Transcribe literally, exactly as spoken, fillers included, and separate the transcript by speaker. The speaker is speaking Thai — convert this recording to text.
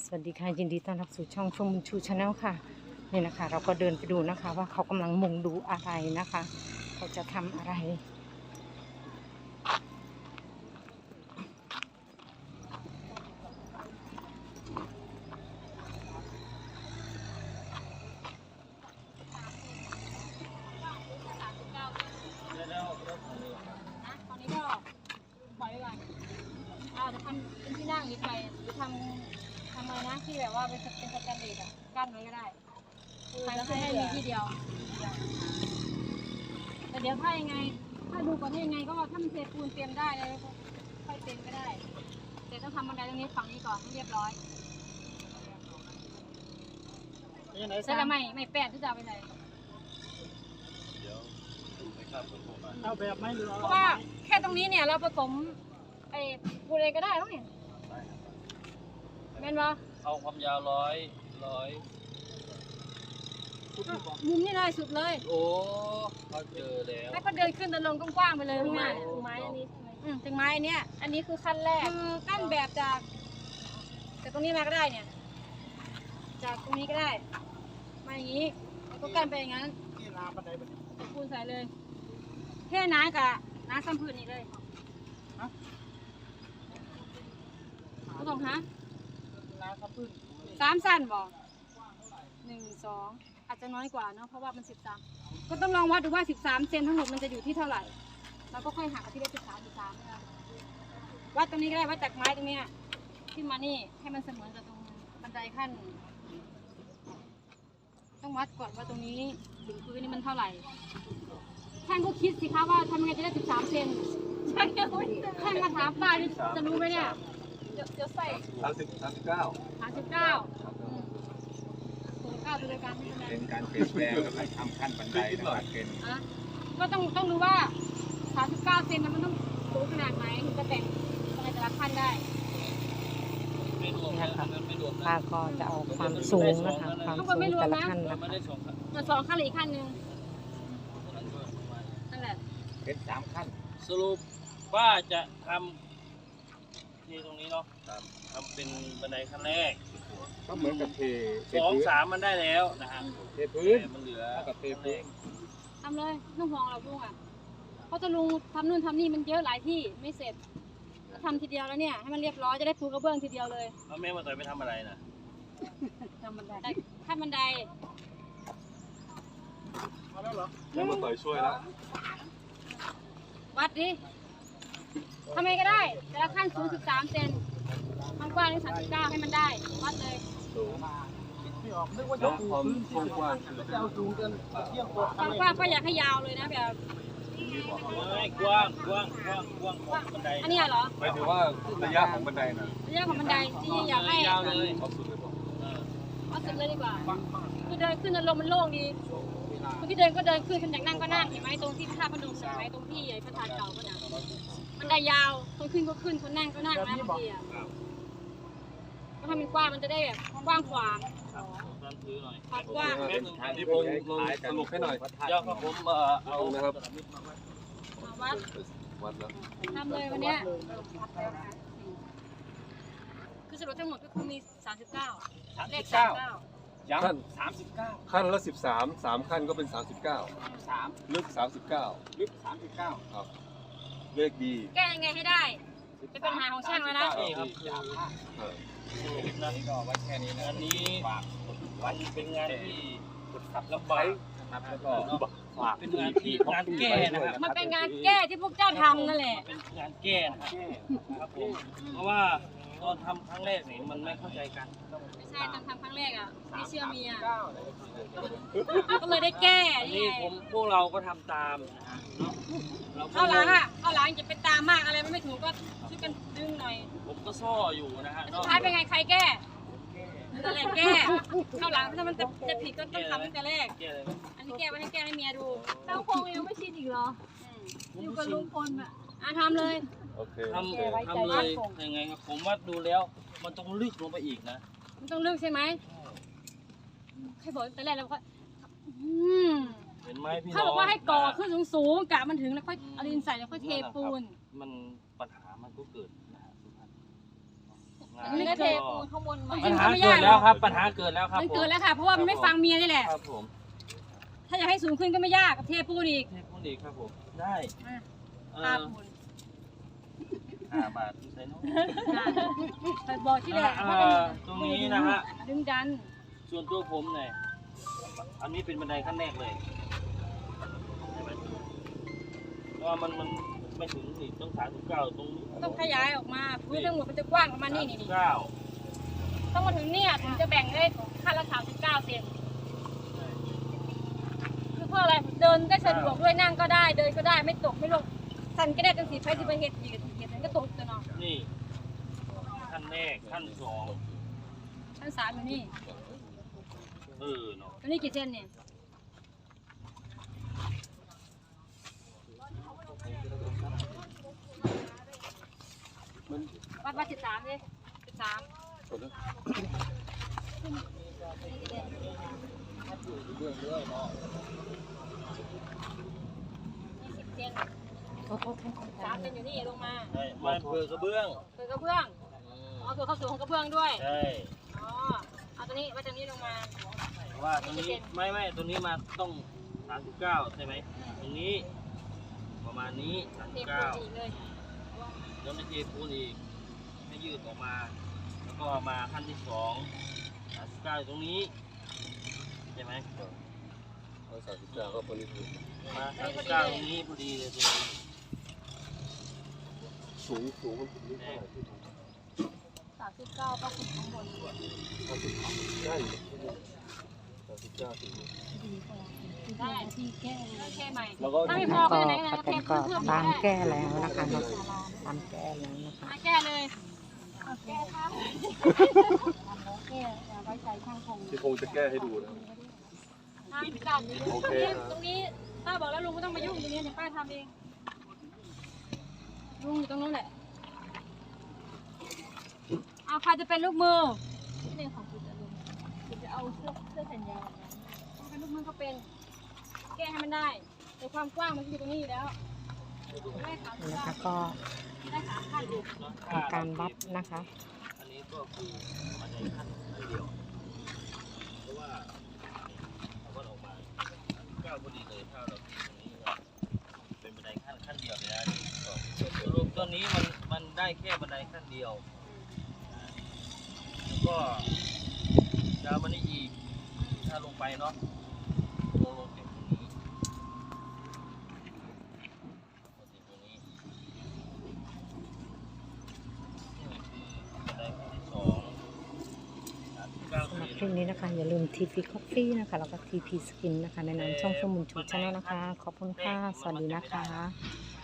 Speaker 1: สวัสดีค่ะยินดีต้อนรับสู่ช่องชมบุญชูชาแนลค่ะนี่นะคะเราก็เดินไปดูนะคะว่าเขากำลังมุงดูอะไรนะคะเขาจะทำอะไร
Speaker 2: ตอนนี้ก็ปล่อยไว้ก่อนเอาจะทำเป็นที่นั่งนิดไปหรือทำทำอะไรนะที่แบบว่าเป็นเป็นสแตนเลสอะกั้นไว้ก็ได้ใครก็ให้มีที่เดียวแต่เดี๋ยวถ้ายังไงถ้าดูก่อนที่ยังไงก็ถ้ามันเทปูนเตรียมได้เลยค่อยเตรียมก็ได้แต่ต้องทำบันไดตรงนี้ฝั่งนี้ก่อนให้เรียบร้อยใช่แล้วไม่ไม่แปดที่จะเอาไปไหน
Speaker 3: เอาแบบไม่หรือ
Speaker 2: เพราะว่าแค่ตรงนี้เนี่ยเราผสมไอ้ปูนเองก็ได้แล้วเนี่ยแม่นปะ
Speaker 3: เอาความยาวร้อยร้อย
Speaker 2: มุมนี่เลยสุดเลย
Speaker 3: โอ้เขาเจอแล้ว
Speaker 2: ให้เขาเดินขึ้นเดินลงกว้างๆไปเลยข้างหน้าถึงไม้อันนี้ใช่ไหมอืมถึงไม้อันเนี้ยอันนี้คือขั้นแรกคือกั้นแบบจากจากตรงนี้มาก็ได้เนี่ยจากตรงนี้ก็ได้มาอย่างนี้แล้วก็กั้นไปอย่างนั้น
Speaker 3: ที่ลาบันไดบันได
Speaker 2: ปูนใส่เลยแค่น้ำกับน้ำซ้ำพื้นนี่เลยก็ต้องฮะ
Speaker 3: ลาครับพื้น
Speaker 2: สามสั้นบอกหนึ่งสองอาจจะน้อยกว่าเนาะเพราะว่ามันสิบสามก็ต้องลองวัดดูว่าสิบสามเซนทั้งหมดมันจะอยู่ที่เท่าไหร่เราก็ค่อยหักที่ได้สิบสามสิบสามนะคะวัดตรงนี้ก็ได้วัดจากไม้ตรงเนี้ยขึ้นมานี่ให้มันเสมอกับตรงบันไดขั้นต้องวัดก่อนว่าตรงนี้ถึงพื้นนี่มันเท่าไหร่ช่างก็คิดสิคะว่าทำยังไงจะได้สิบสามเซนช่างช่างมาถามป้านี่จะรู้ไหมเนี่ยเดี๋ยวใส่
Speaker 4: สามสิบสามสิบเก้า
Speaker 2: สามสิบเก้าสูงเก้าดูเลยการที่ทำงาน
Speaker 4: เป็นการเปลี่ยนแปลงการทำขั้นบันไดนะครับเป็น
Speaker 2: อ่ะก็ต้องต้องรู้ว่าสามสิบเก้าเซนมันต้องสูงขนาดไหนถึงจะแต่งอะไรแต่ละขั้นได้
Speaker 3: ไม่รวมนะนั้นไม่รวมนะ
Speaker 1: ป้าก็จะเอาความสูงนะคะความสูงแต่ละขั้นนะ
Speaker 3: ไม่
Speaker 1: คะ
Speaker 3: ได้สองขั้น
Speaker 2: มันสองขั้นหรืออีกขั้นหนึ่งนั่นแหละ
Speaker 4: เป็นสามขั้น
Speaker 3: สรุปว่าจะทำที่ตรงนี้เนาะทำเป็นบันไดขั้นแรก
Speaker 4: ก็เหมือนกับเทเท
Speaker 3: สอง
Speaker 4: พื้น
Speaker 3: สามมันได้แล้วนะฮะ
Speaker 4: เทพื้น
Speaker 3: มันเหลือ
Speaker 4: เท่ากับเทพื้น
Speaker 2: ทำเลยนุ่งห่วงเราลุงอ่ะเพราะจะลุงทำนู่นทำนี่มันเยอะหลายที่ไม่เสร็จก็ทำทีเดียวแล้วเนี่ยให้มันเรียบร้อยจะได้ปูกระเบื้องทีเดียวเลย
Speaker 3: แล้วแม่มาต่อยไปทำอะไรนะ
Speaker 2: ทำบันไดขั้นบันได
Speaker 3: มาแล้วเหรอ
Speaker 4: แล้วมาต่อยช่วยแล้ว
Speaker 2: วัดดิทำไงก็ได้แต่ละขั้นสูงสิบสามเซนความกว้างนี่สามสิบเก้าให้มันได้วัดเลย
Speaker 4: สูง
Speaker 3: ไม่ออกนึกว่า
Speaker 4: แล้
Speaker 3: จะ
Speaker 4: วความกว้างคือ
Speaker 3: จะเอาสูงเกินเที่ยงกว่า
Speaker 2: ความกว้างก็อยากให้ยาวเลยนะแบบ
Speaker 3: ไม่กว้างกว้างกว้างกว้างของบันได
Speaker 2: อันนี้เหรอ
Speaker 4: หมายถึงว่าระยะของบันไดนะ
Speaker 2: ระยะของบันไดที่อยากให้
Speaker 3: ยาวเลย
Speaker 4: เอาสุดเลยบอก
Speaker 2: เอาสุดเลยดีกว่าคือเดินขึ้นลมมันโล่งดีคนที่เดินก็เดินขึ้นคนอยากนั่งก็นั่งเห็นไหมตรงที่พระธาตุพนมเห็นไหมตรงที่ใหญ่พระธาตุเก่าก็นะมันได้ยาวคนขึ้นก็ขึ้นคนนั่งก็นั่งนะบางทีอ่ะก็ทำเป็นกว้างมันจะได้แบบกว้างขวาง
Speaker 3: ตอนถือหน่อย
Speaker 2: ความกว้าง
Speaker 4: ที่ผมลองสรุปให้หน่อย
Speaker 3: เดี๋ยวครับผมเอ่อเอา
Speaker 4: นะครับ
Speaker 2: มาวัด
Speaker 4: วัดแล้ว
Speaker 2: ทำเลยวันเนี้ยคือสรุปทั้งหมดก็คือมีสามสิบเก้าเลขสามเก้า
Speaker 3: ย้ำสามสิบเก้า
Speaker 4: ขั้นละสิบสามสามขั้นก็เป็นสามสิบเก้า
Speaker 3: สาม
Speaker 4: ลึกสามสิบเก้า
Speaker 3: ลึกสามสิบเก้า
Speaker 4: ครับเลขดี
Speaker 2: แก้ยังไงให้ได้เป็นปัญหาของช่างแล้วนะ
Speaker 3: นี่ครับยาวมาก
Speaker 4: เออ
Speaker 3: นะก็ไว้แค่นี้นะอันนี้วันเป็นงานที่ขับลำบากนะครับแล้วก็เป็นงานที่งานแก้นะครับ
Speaker 2: มันเป็นงานแก้ที่พวกเจ้าทำนั่นแหละ
Speaker 3: เป็นงานแก้นะครับครับผมเพราะว่าตอนทำครั้งแรกนี่มันไม่เข้าใจกัน
Speaker 2: ไม่ใช่ตอนทำครั้งแรกอ่ะไม่เชื่อเมียก็เลยได้แก้
Speaker 3: อัน
Speaker 2: นี่
Speaker 3: นี้
Speaker 2: ไง
Speaker 3: ผมพวกเราก็ทำตามนะฮะเนาะ
Speaker 2: เอาหลังอ่ะเอาหลังจะไปตามมากอะไรมันไม่ถูกก็ช่วยกันดึงหน่อย
Speaker 3: ผมก็ซ่ออยู่นะฮะ
Speaker 2: สุดท้ายเป็นไงใครแก้นั่นแหละแก้เข้าหลังถ้ามันจะจะผิดก็ต้องทำตั้งแต่แรก
Speaker 3: แก้เลย
Speaker 2: อันนี้แก้ไว้ให้แก้ให้เมียดู
Speaker 5: เจ้าคงยังไม่ชินอีกเหรอ อยู่กับลุงพลอ่ะ
Speaker 2: อ่ะทำเลย
Speaker 4: โอเค
Speaker 3: ทำทำเลยยังไงครับผมว่าดูแล้วมันต้องลึกลงไปอีกนะ
Speaker 2: มันต้องเลือกใช่ไหมใครบอกตั้งแต่แรกแล้วก็อืม
Speaker 3: เห็นไหมพี่น้อง
Speaker 2: เขาบอกว่าให้ก่อขึ้นสูงๆกะมันถึงแล้วค่อยเอาดินใส่แล้วค่อยเทปูน
Speaker 3: มันปัญหามันก็เกิดนะฮะทุกท่าน
Speaker 2: มันไม่
Speaker 5: ก็
Speaker 2: เท
Speaker 5: เทปูนข้างบนใหม่
Speaker 3: ปัญหาเกิดแล้วครับปัญหาเกิดแล้วครับ
Speaker 2: มันเกิดแล้วค่ะเพราะว่ามันไม่ฟังเมียนี่แหละ
Speaker 3: ครับผม
Speaker 2: ถ้าอยากให้สูงขึ้นก็ไม่ยากกับเทปูนอีก
Speaker 3: เทปูนอีกครับผมได้เอ
Speaker 2: ค่า
Speaker 3: อ
Speaker 2: ปูน
Speaker 3: ห้าบาทใส่น้อง
Speaker 2: ไปบอกที่แหละ
Speaker 3: เอ่
Speaker 2: ว่าเป็น
Speaker 3: อตรงนี้นะฮะ
Speaker 2: ดึงดัน
Speaker 3: ส่วนตัวผมเนี่ยอันนี้เป็นบันไดขั้นแรกเลยใช่ไหมเพราะว่ามันมันไม่ถึงนี่ต้องสามสิบเก้าตรงนี้
Speaker 2: ต้องขยายออกมาพื้นทั้งหมดมันจะกว้างประมาณนี้นี่นี่
Speaker 3: เก้า
Speaker 2: ต้องมาถึงเนี่ยถึงจะแบ่งได้ขั้นละสามสิบเก้าเซนคือเพื่ออะไรเดินได้สะดวกด้วยนั่งก็ได้เดินก็ได้ไม่ตกไม่ลงสันก็ได้ตั้งสี่ไฟที่ไปเห็ดเหยียดเหยียดมันก็ตกตัวเนาะ
Speaker 3: นี่ขั้นแรกขั้นสอง
Speaker 2: ชั้นสามอยู่นี่
Speaker 3: เออเนาะ
Speaker 2: ตัวนี้กี่เซนเนี่ย
Speaker 4: มัน
Speaker 2: วัดวัดสิบสามเลยสิบสาม
Speaker 4: กดนะ
Speaker 2: ยี่สิบเซนสามเซนอยู่นี่ลงมา
Speaker 3: ใช่ไม่เปิดกระเบื้อง
Speaker 2: เปิดกระเบื้องอ๋อตัวเข้าสูงของกระเบื้องด้วย
Speaker 3: ใช่
Speaker 2: อ๋อเอาตัวนี้ไว้ตรงนี้ลงมา
Speaker 3: เพราะว่าตรงนี้ไม่ไม่ตรงนี้มาต้องสามสิบเก้าใช่ไหมตรงนี้ ประมาณนี้สาม
Speaker 2: เท
Speaker 3: สิบ
Speaker 2: ปู
Speaker 3: เก้าน
Speaker 2: อีกเลย
Speaker 3: แล้วไม่เทปูนอีกให้ยืดออกมา แล้วก็มาขั้นที่สองสามสิบเก้าอยู่ตรงนี้ใช่ไหม
Speaker 4: เอาสามสิบเก้าก็พอดีคือ
Speaker 3: มาสามสิบเก้าตรงนี้พอดีเลยตรงนี้
Speaker 4: สูงสูงมันถึงนี่เท่าไหร่ที่
Speaker 5: สามสิบเก้าก็ถึงข้างบน
Speaker 4: สามสิบได้สามสิบเก้าถึง
Speaker 2: ได้ที่แก้แก้ใหม่
Speaker 4: แล้วก็
Speaker 2: ถ้าไม่พอ
Speaker 1: ก็
Speaker 2: ก็ไหนไหน
Speaker 1: ป้าแต
Speaker 2: เท
Speaker 1: นก็
Speaker 2: เพิ่ม
Speaker 1: ตาม
Speaker 2: ได้
Speaker 1: แก้แล้วนะคะเนาะตามแก้แล้วนะคะ
Speaker 2: มาแก้เลย
Speaker 5: แก้ค่ะแก้อย่าไว้ใจช่างคง
Speaker 4: ที่คงจะแก้ให้ดูนะ
Speaker 2: ห้าสิบเก้า
Speaker 4: โอเค
Speaker 2: ตรงนี้ป้าบอกแล้วลุงไม่ต้องมายุ่งตรงนี้เดี๋ยวป้าทำเองลุงอยู่ตรงนู้นแหละเอาใครจะเป็นลูกมือ
Speaker 5: เรื่องของคุณจะลงคุณจะเอาเสื้อเสื้อแขนยาว
Speaker 2: เป็นลูกมือก็เป็น แก้ให้มันได้แต่ความกว้างมันอยู่ตรงนี้อยู่แล้วได้สามสิบ
Speaker 1: นะ
Speaker 2: เก้า
Speaker 1: คะก็
Speaker 2: ได้สามขั้นอยู่
Speaker 1: ทำการวัดนะคะ
Speaker 3: อันนี้ก็คือบันไดขั้นขั้นเดียวเพราะว่าเราก็ออกมาเก้าพอดีเลยถ้าเราตีตรงนี้ก็เป็นบันไดขั้นขั้นเดียวเลยนะสรุปตัวนี้มันมันได้แค่บันไดขั้นเดียวแล้วก็ดาวมันนี่อีกถ้าลงไปเนาะลงลงถึงตรงนี้ลงถึงตรงนี้นี่คือบันไดขั้นที่สองสามสิบเก้า
Speaker 1: สำหรับ
Speaker 3: เซ
Speaker 1: คลิ
Speaker 3: น
Speaker 1: ปนี้นะคะ อย่าลืม ที พี Coffee นะคะ แล้วก็ ที พี Skin นะคะ ในนามช่องสมุนชูชาแนลนะคะ ขอบคุณค่ะ สวัสดีนะคะ